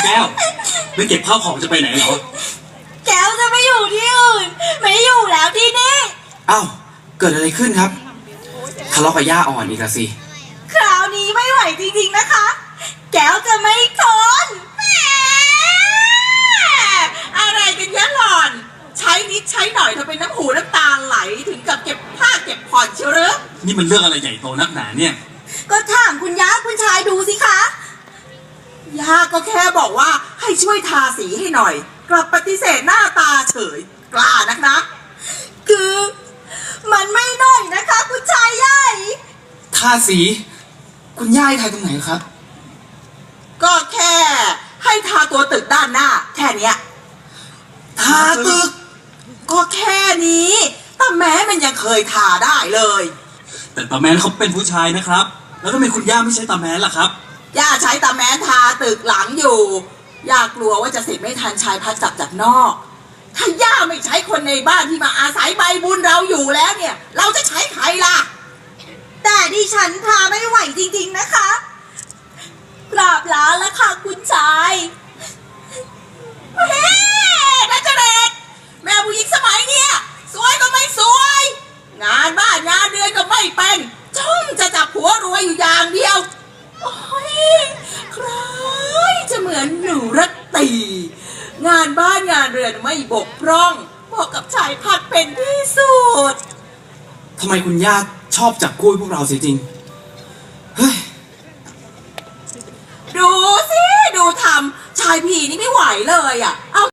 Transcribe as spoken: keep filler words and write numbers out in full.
แก้วไม่เก็บข้าวของจะไปไหนเหรอแก้วจะไม่อยู่ที่อื่นไม่อยู่แล้วที่นี่อ้าวเกิดอะไรขึ้นครับทะเลาะกับย่าอ่อนอีกแล้วสิคราวนี้ไม่ไหวจริงๆนะคะแก้วจะไม่ทนอะไรกันยะหล่อนใช้นิดใช้หน่อยเธอเป็นน้ำหูน้ำตาไหลถึงกับเก็บผ้าเก็บผ่อนเชียวหรือนี่มันเรื่องอะไรใหญ่โตนักหนาเนี่ยก็ถามคุณย่าคุณชายดูสิคะย่าก็แค่บอกว่าให้ช่วยทาสีให้หน่อยกลับปฏิเสธหน้าตาเฉยกล้านักนะคือมันไม่หน่อยนะคะคุณชายใหญ่ทาสีคุณย่าให้ทาตรงไหนครับก็แค่ให้ทาตัวตึกด้านหน้าแค่เนี้ยทาตึกก็แค่นี้แต่แม้มันยังเคยทาได้เลยแต่ตาแมนเขาเป็นผู้ชายนะครับแล้วทำไมคุณย่าไม่ใช่ตาแมนล่ะครับย่าใช้ตาแมนทาตึกหลังอยู่ย่ากลัวว่าจะเสร็จไม่ทันชายพัดจับจากนอกถ้าย่าไม่ใช้คนในบ้านที่มาอาศัยใบบุญเราอยู่แล้วเนี่ยเราจะใช้ใครล่ะแต่ดิฉันทาไม่ไหวจริงๆนะคะกราบลาแล้วค่ะคุณชายเฮ้นัจเรศแม่ผู้หญิงสมัยเนี้ยสวยก็ไม่สวยงานบ้านงานเดือนก็ไม่เป็นจ้องจะจับผัวรวยอยู่อย่างเดียวโอ้ยใครจะเหมือนหนูรัตตีงานบ้านงานเรือนไม่บกพร่องเหมาะกับชายพัดเป็นที่สุดทำไมคุณย่าชอบจับกู้พวกเราเสียจริงเฮ้ยดูสิดูทำชายผีนี่ไม่ไหวเลยอ่ะเอา